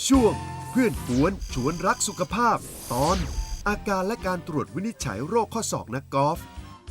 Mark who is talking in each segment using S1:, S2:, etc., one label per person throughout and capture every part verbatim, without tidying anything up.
S1: ช่วงเพื่อนกวนชวนรักสุขภาพตอนอาการและการตรวจวินิจฉัยโรคข้อศอกนักกอล์ฟ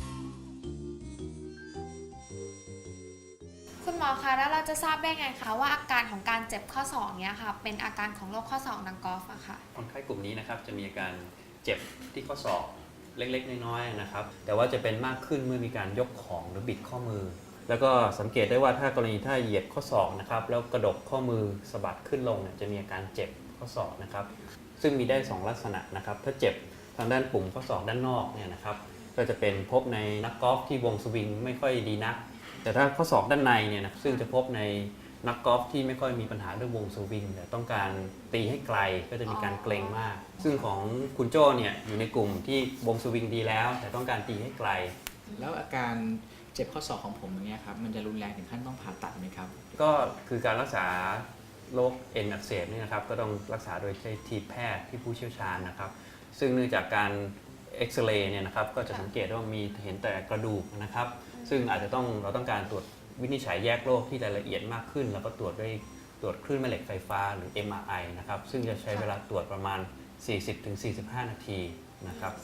S2: คุณหมอคะแล้วเราจะทราบได้ไงคะว่าอาการของการเจ็บข้อศอกเนี้ยค่ะเป็นอาการของโรคข้อศอกนักกอล์ฟอะค่ะ
S3: คนไข้กลุ่มนี้นะครับจะมีอาการเจ็บที่ข้อศอกเล็กๆน้อยๆนะครับแต่ว่าจะเป็นมากขึ้นเมื่อมีการยกของหรือบิดข้อมือแล้วก็สังเกตได้ว่าถ้ากรณีถ้าเหยียดข้อศอกนะครับแล้วกระดกข้อมือสะบัดขึ้นลงเนี่ยจะมีอาการเจ็บข้อศอกนะครับซึ่งมีได้สองลักษณะนะครับถ้าเจ็บทางด้านปุ่มข้อศอกด้านนอกเนี่ยนะครับก็จะเป็นพบในนักกอล์ฟที่วงสวิงไม่ค่อยดีนักแต่ถ้าข้อศอกด้านในเนี่ยนะซึ่งจะพบในนักกอล์ฟที่ไม่ค่อยมีปัญหาเรื่องวงสวิงแต่ต้องการตีให้ไกลก็จะมีการเกร็งมากซึ่งของคุณโจ้เนี่ยอยู่ในกลุ่มที่วงสวิงดีแล้วแต่ต้องการตีให้ไกล
S4: แล้วอาการเจ็บข้อศอกของผมอย่างเงี้ยครับมันจะรุนแรงถึงขั้นต้องผ่าตัดไหมครับ
S3: ก็คือการรักษาโรคเอ็นอักเสบนี่นะครับก็ต้องรักษาโดยใช้ทีมแพทย์ที่ผู้เชี่ยวชาญนะครับซึ่งเนื่องจากการเอ็กซเรย์เนี่ยนะครับก็จะสังเกตว่ามีเห็นแต่กระดูกนะครับซึ่งอาจจะต้องเราต้องการตรวจวินิจฉัยแยกโรคที่รายละเอียดมากขึ้นแล้วก็ตรวจด้วยตรวจคลื่นแม่เหล็กไฟฟ้าหรือ เอ็ม อาร์ ไอ นะครับซึ่งจะใช้เวลาตรวจประมาณ สี่สิบถึงสี่สิบห้า นาทีนะครับ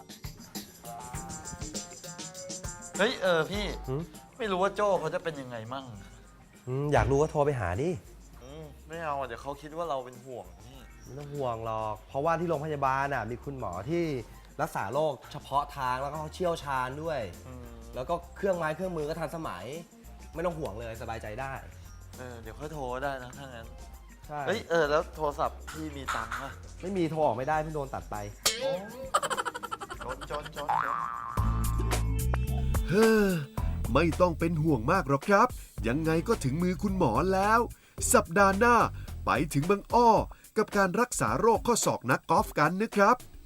S5: เฮ้ยเออพี่ไม่รู้ว่าโจ้เขาจะเป็นยังไงมั่ง
S6: อยากรู้ก็โทรไปหาดิ
S5: ไม่เอาเดี๋ยวเขาคิดว่าเราเป็นห่วงนี่
S6: ไม่ต้องห่วงหรอกเพราะว่าที่โรงพยาบาลน่ะมีคุณหมอที่รักษาโรคเฉพาะทางแล้วก็เขาเชี่ยวชาญด้วยแล้วก็เครื่องไม้เครื่องมือก็ทันสมัยไม่ต้องห่วงเลยสบายใจได้
S5: เออเดี๋ยวค่อยโทรได้นะถ้างั้น
S6: ใช่
S5: เฮ้ยเออแล้วโทรศัพท์พี่มีตังค์ป่ะ
S6: ไม่มีโทรออกไม่ได้เพิ่งโดนตัดไป
S5: จนจนจน
S1: เฮ้อไม่ต้องเป็นห่วงมากหรอกครับยังไงก็ถึงมือคุณหมอแล้ว สัปดาห์หน้าไปถึงบางอ้อกับการรักษาโรคข้อศอกนักกอล์ฟกันนะครับ